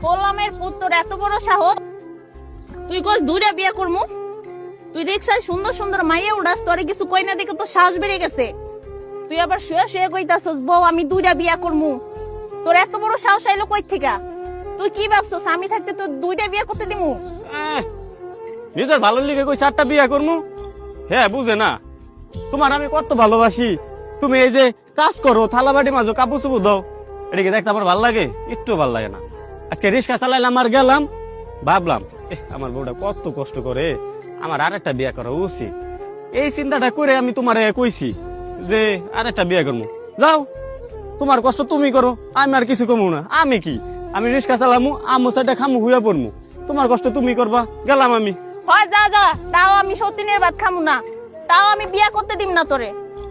গোলামের পুত্র এত বড় সাহস, তুই কস দুইটা বিয়ে করমু? তুই রিক্সায় সুন্দর সুন্দর মাইয়া উড়াস, তোরে কিছু কই না দেখে তো সাহস বেড়ে গেছে। তুই আবার শুয়ে শুয়ে কইতাছস বউ আমি দুইটা বিয়া করমু। তোর এত বড় সাহস আইলো কই থেকে? তুই কি ভাবছস আমি থাকতে তোর দুইটা বিয়া করতে দিমু? নিজের ভালো লিগে কই 4টা বিয়া করমু? হ্যাঁ বুঝে না তোমার আমি কত ভালোবাসি। তুমি এই যে কাজ করো, থালা বাটি মাজো, কাপড় চুপড় দাও, এটা কি দেখতে আমার ভালো লাগে? একটু ভালো লাগে না। আজকে রিক্সা চালাইলাম আর গেলাম, ভাবলাম আমার বউটা কত কষ্ট করে, আমার আরেকটা বিয়া করা উচিত। এই চিন্তাটা করে আমি তোমার কইছি যে আরেকটা বিয়া করবো। যাও, তোমার কষ্ট তুমি করো, আমি আর কিছু কমু না। আমি কি, আমি রিক্সা চালামু, আমু সাইডে খামু, হুইয়া পড়মু, তোমার কষ্ট তুমি করবা। গেলাম আমি। হয় যা যা, তাও আমি সতীনের ভাত খামু না, তাও আমি বিয়া করতে দিম না তোরে।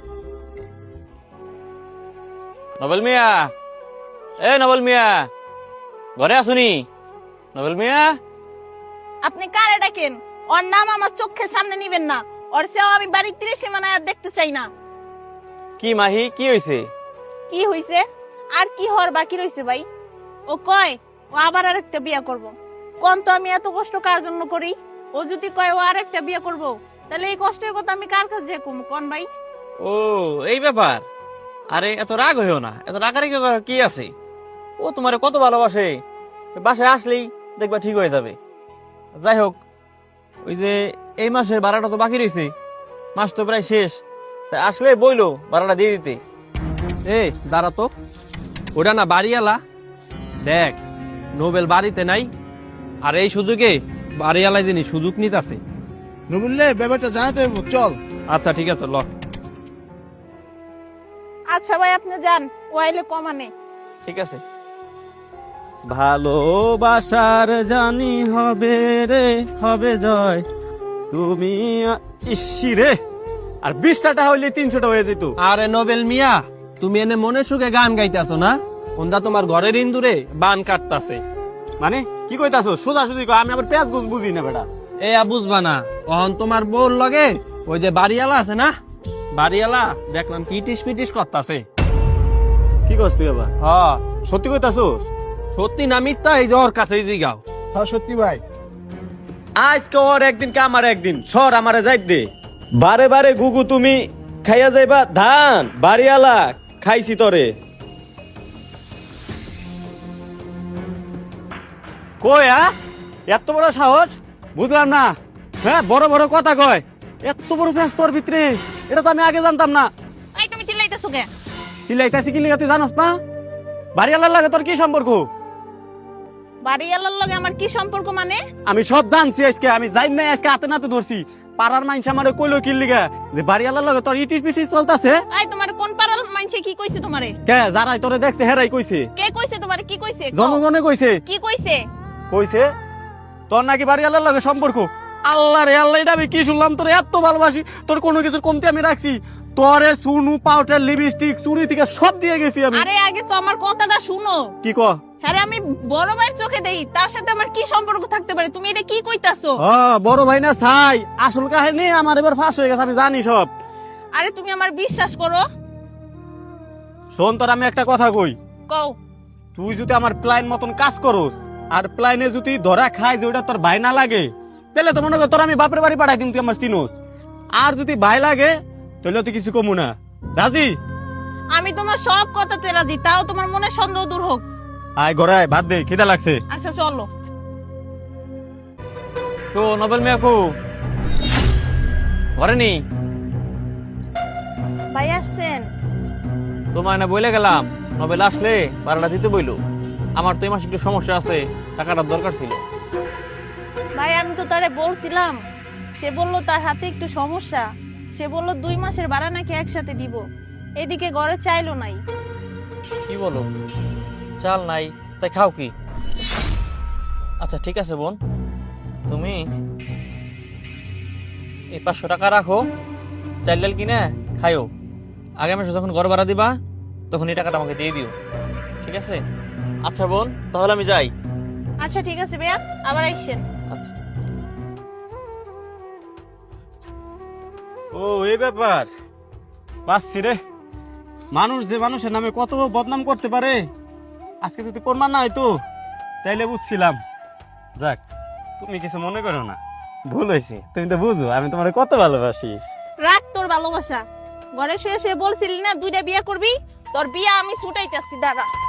নবল মিয়া, এ নবল মিয়া, ঘরে আসুনি? নবল মিয়া, আপনি কারে ডাকেন? ওর নাম আমার চোখের সামনে নিবেন না। ওর সেও আমি বাড়ির 30 সীমানায় আর দেখতে চাই না। কি মাহি, কি হয়েছে? কি হইছে? আর কি হওয়ার বাকি রইছে ভাই? ও কয় ও আবার আরেকটা বিয়া করব। কোন তো আমি এত কষ্ট কার জন্য করি? ও যদি কয় ও আরেকটা বিয়া করব, তাহলে এই কষ্টের কথা আমি কার কাছে যে কম কোন ভাই? ও এই ব্যাপার। আরে এত রাগ হইও না, এত রাগারাগি করার কি আছে? ও তোমারে কত ভালোবাসে, বাসায় আসলেই দেখবা ঠিক হয়ে যাবে। যাই হোক, ওই যে এই মাসের ভাড়াটা তো বাকি রয়েছে, মাস তো প্রায় শেষ, তাই আসলে বইলো ভাড়াটা দিয়ে দিতে। এ দাঁড়া তো, ওটা না বাড়িওয়ালা। দেখ নোবেল বাড়িতে নাই, আর এই সুযোগে বাড়িওয়ালায় যিনি সুযোগ নিতেছে। নবুল্লে ব্যাপারটা জানাতে হইব, চল। আচ্ছা ঠিক আছে, ল। আচ্ছা ভাই আপনি যান, ও আইলে কমানে। ঠিক আছে। ভালোবাসার জানি হবে রে, হবে জয়, তুমি ইসি রে। আর 20টা হইলে 300টা হয়ে যেত। আরে নোবেল মিয়া, তুমি এনে মনে সুখে গান গাইতেছো না, ওন্দা তোমার ঘরের ইন্দুরে বান কাটতাছে। মানে কি কইতাছো? সোজা সুজি কই, আমি আবার পেঁয়াজ গুছ বুঝি না বেটা। এ বুঝবা না, অহন তোমার বউর লগে ওই যে বাড়িওয়ালা আছে না, বাড়িওয়ালা দেখলাম কি টিস পিটিস করতাছে। কি কস তুই আবার? হ, সত্যি কইতাছো? সত্যি না মিথ্যা এই যে ওর কাছে জিগাও। হ্যাঁ সত্যি ভাই। আজকে ওর একদিন কে আমার একদিন, সর আমারে যাই দে। বারে বারে গুগু তুমি খাইয়া যাইবা ধান, বাড়িয়ালা খাইছি তরে। কই এত বড় সাহস? বুঝলাম না। হ্যাঁ বড় বড় কথা কয়, এত বড় ফেস তোর ভিতরে, এটা তো আমি আগে জানতাম না। এই তুমি চিল্লাইতেছো কে? চিল্লাইতাছি কি লিগা তুই জানোস না? বাড়িয়ালার লাগে তোর কি সম্পর্ক? বাড়িওয়ালার লগে আমার কি সম্পর্ক মানে? আমি সব জানছি আজকে, আমি যাই না আজকে হাতে নাতে ধরছি। পাড়ার মাইনস আমারে কইলো কি লিগা যে বাড়িয়ালার লগে তোর ইটিস পিটিস চলতাছে। এই তোমার কোন পাড়ার মাইনছে কি কইছে তোমারে? কে যারাই তোরে দেখছে হেরাই কইছে। কে কইছে তোমারে? কি কইছে? কও। জনগণে কইছে। কি কইছে? কইছে তোর নাকি বাড়িয়ালার লগে সম্পর্ক। আল্লাহ রে আল্লাহ, এটা আমি কি শুনলাম? তোর এত ভালোবাসি, তোর কোনো কিছুর কমতি আমি রাখছি? তোরে সুনু পাউডার লিপস্টিক চুড়ি থেকে সব দিয়ে গেছি আমি। আরে আগে তো আমার কথাটা শুনো। কি ক? আরে আমি বড় ভাইয়ের চোখে দেই, তার সাথে আমার কি সম্পর্ক থাকতে পারে? তুমি এটা কি কইতাছো? বড় ভাই না ছাই, আসল কাহিনী আমার এবার ফাঁস হয়ে গেছে, আমি জানি সব। আরে তুমি আমার বিশ্বাস করো। শোন তোর আমি একটা কথা কই, কও। তুই যদি আমার প্ল্যান মতন কাজ করস আর প্ল্যানে যদি ধরা খায় যে ওটা তোর ভাই না লাগে, তাহলে তো মনে কর তোর আমি বাপের বাড়ি পাঠাই দিম, তুই আমার চিনোস। আর যদি ভাই লাগে তাহলে তুই কিছু কমু না। রাজি? আমি তোমার সব কথাতে রাজি, তাও তোমার মনে সন্দেহ দূর হোক। আয় ঘরে আয়, ভাত দে, খিদা লাগছে। আচ্ছা চলো। তো নবেল মিয়া কো ঘরে নেই? ভাই আসছেন? তোমায় না বলে গেলাম নবেল আসলে ভাড়াটা দিতে বইলো। আমার তো এই মাসে একটু সমস্যা আছে, টাকাটার দরকার ছিল। ভাই আমি তো তারে বলছিলাম, সে বললো তার হাতে একটু সমস্যা, সে বললো 2 মাসের ভাড়া নাকি একসাথে দিব। এদিকে ঘরে চাইলো নাই। কি বলো? চাল নাই তাই খাও কি? আচ্ছা ঠিক আছে বোন, তুমি এই 500 টাকা রাখো, চাল ডাল কিনে খাইও। আগামী মাসে যখন ঘর ভাড়া দিবা তখন এই টাকাটা আমাকে দিয়ে দিও, ঠিক আছে? আচ্ছা বোন, তাহলে আমি যাই। আচ্ছা ঠিক আছে ভাইয়া, আবার আইসেন। আচ্ছা। ও এই ব্যাপার, বাসছি রে। মানুষ যে মানুষের নামে কত বদনাম করতে পারে, আজকে যদি প্রমাণ না হয়তো তাইলে বুঝছিলাম। যাক, তুমি কিছু মনে করো না, ভুল হয়েছে। তুমি তো বুঝো আমি তোমার কত ভালোবাসি। রাখ তোর ভালোবাসা, ঘরে শুয়ে শুয়ে বলছিলি না 2টা বিয়ে করবি, তোর বিয়ে আমি ছুটাইতেছি, দাঁড়া।